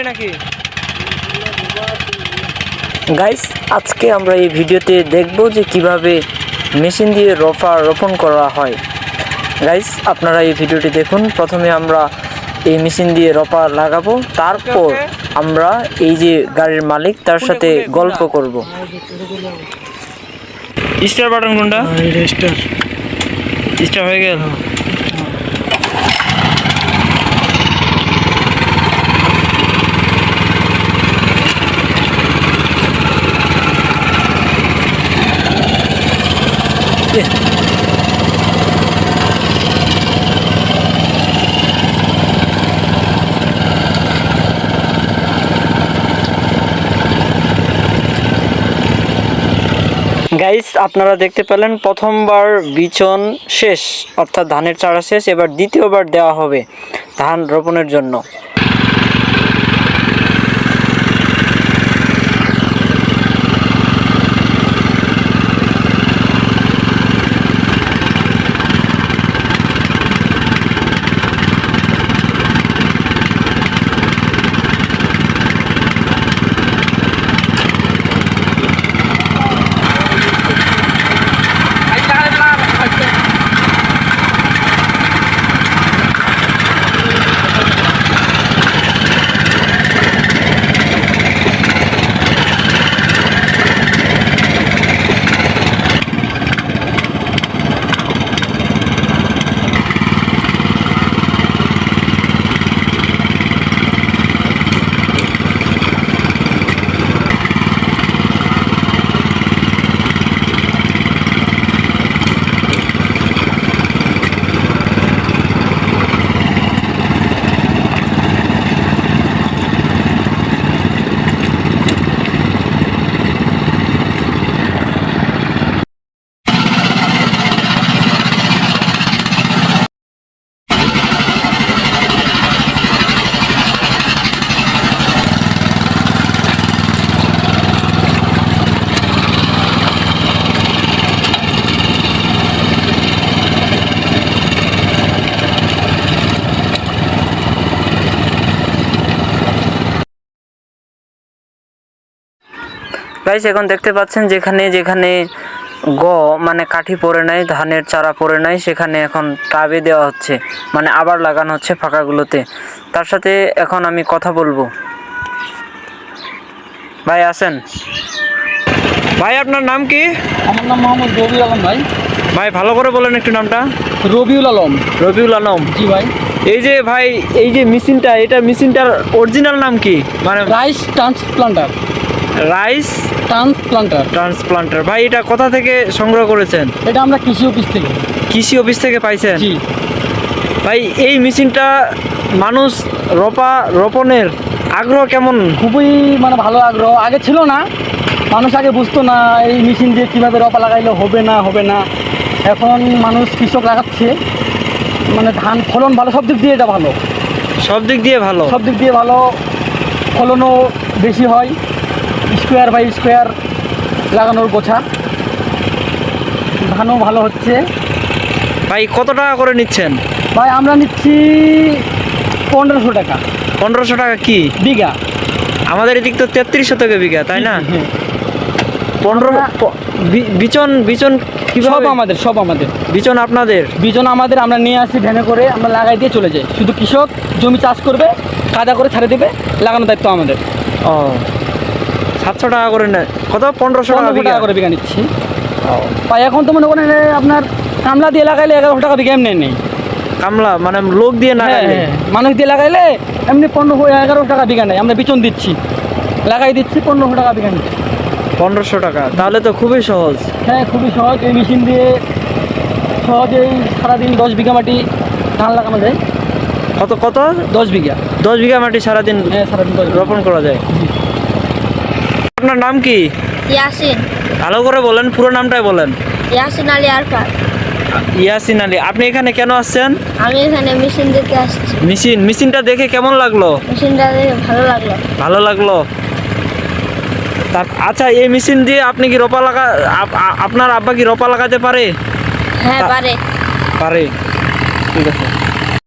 নাকি গাইস, আজকে আমরা এই ভিডিওতে দেখব যে কিভাবে মেশিন দিয়ে রোপণ করা হয়। গাইস, আপনারা এই ভিডিওটি দেখুন। প্রথমে আমরা এই মেশিন দিয়ে রোপা লাগাবো, তারপর আমরা এই যে গাড়ির মালিক তার সাথে গল্প করব। স্টার বাটন কোনটা? স্টার হয়ে গেল। গাইস, আপনারা দেখতে পেলেন প্রথমবার বিচন শেষ, অর্থাৎ ধানের চারা শেষ। এবার দ্বিতীয়বার দেওয়া হবে ধান রোপণের জন্য। গাইস, এখন দেখতে পাচ্ছেন যেখানে যেখানে মানে কাঠি পড়ে নাই, ধানের চারা পড়ে নাই, সেখানে এখন টাবে দেওয়া হচ্ছে, মানে আবার লাগানো হচ্ছে ফাঁকাগুলোতে। তার সাথে এখন আমি কথা বলবো। ভাই আছেন? ভাই, আপনার নাম কি? আমার নাম মোহাম্মদ রবিউল আলম। ভাই ভালো করে বলেন একটু নামটা। রবিউল আলম। রবিউল আলম। জি ভাই। এই যে ভাই, এই যে মেশিনটার অরিজিনাল নাম কি? মানে রাইস ট্রান্সপ্লান্টার। Rice transplanter. ভাই, এটা কোথা থেকে সংগ্রহ করেছেন? এটা আমরা কৃষি অফিস থেকে পাইছেন? জি ভাই, এই মেশিনটা মানুষ রোপণের আগ্রহ কেমন? খুবই ভালো আগ্রহ। আগে ছিল না, মানুষ আগে বুঝতো না এই মেশিন দিয়ে কীভাবে রপা লাগাইলে হবে না। এখন মানুষ কৃষক লাগাচ্ছে, ধান ফলন ভালো, সব দিক দিয়ে এটা ভালো। সব দিক দিয়ে ভালো, ফলনও বেশি হয়। স্কোয়ার বাই স্কোয়ার লাগানোর গোছা, ধানও ভালো হচ্ছে। ভাই, কত টাকা করে নিচ্ছেন? ভাই, আমরা নিচ্ছি 1500 টাকা। 1500 টাকা কি বিঘা? আমাদের এদিক তো 3300 টাকা বিঘা, তাই না? 15 বিচন সব আমাদের বিচন আপনাদের? বিচন আমাদের, আমরা নিয়ে আসি ভ্যানে করে, আমরা লাগাই দিয়ে চলে যাই। শুধু কৃষক জমি চাষ করবে, কাদা করে ছাড়ে দেবে, লাগানোর দায়িত্ব আমাদের। ও, 700 টাকা করে নেয়। কত? 1500 টাকা করে বিঘা নিচ্ছি। ভাই, এখন তো মনে করেন আপনার কামলা দিয়ে লাগাইলে 1100 টাকা বিঘা এমনি নেই। কামলা মানে লোক দিয়ে না, মানুষ দিয়ে লাগাইলে এমনি 1100 টাকা বিঘা নেই। আমরা বিচন দিচ্ছি, লাগাই দিচ্ছি, 1500 টাকা বিঘা নিচ্ছি। 1500 টাকা, তাহলে তো খুবই সহজ। হ্যাঁ, খুবই সহজ। এই মেশিন দিয়ে সহজেই সারাদিন 10 বিঘা মাটি ধান লাগানো যায়। কত? 10 বিঘা। 10 বিঘা মাটি সারাদিন? হ্যাঁ, সারাদিন রোপণ করা যায়। আপনার নাম কি? ইয়াসিন। ভালো করে বলেন, পুরো নামটাই বলেন। ইয়াসিন আলী আরফান। ইয়াসিন আলী। আপনি এখানে কেন আসছেন? আমি এখানে মেশিন দেখতে আসছি। মেশিনটা দেখে কেমন লাগলো? মেশিনটা দেখে ভালো লাগলো। আচ্ছা, এই মেশিন দিয়ে আপনি কি আপনার আব্বা কি রোপা লাগাতে পারে? হ্যাঁ, পারে। ঠিক আছে।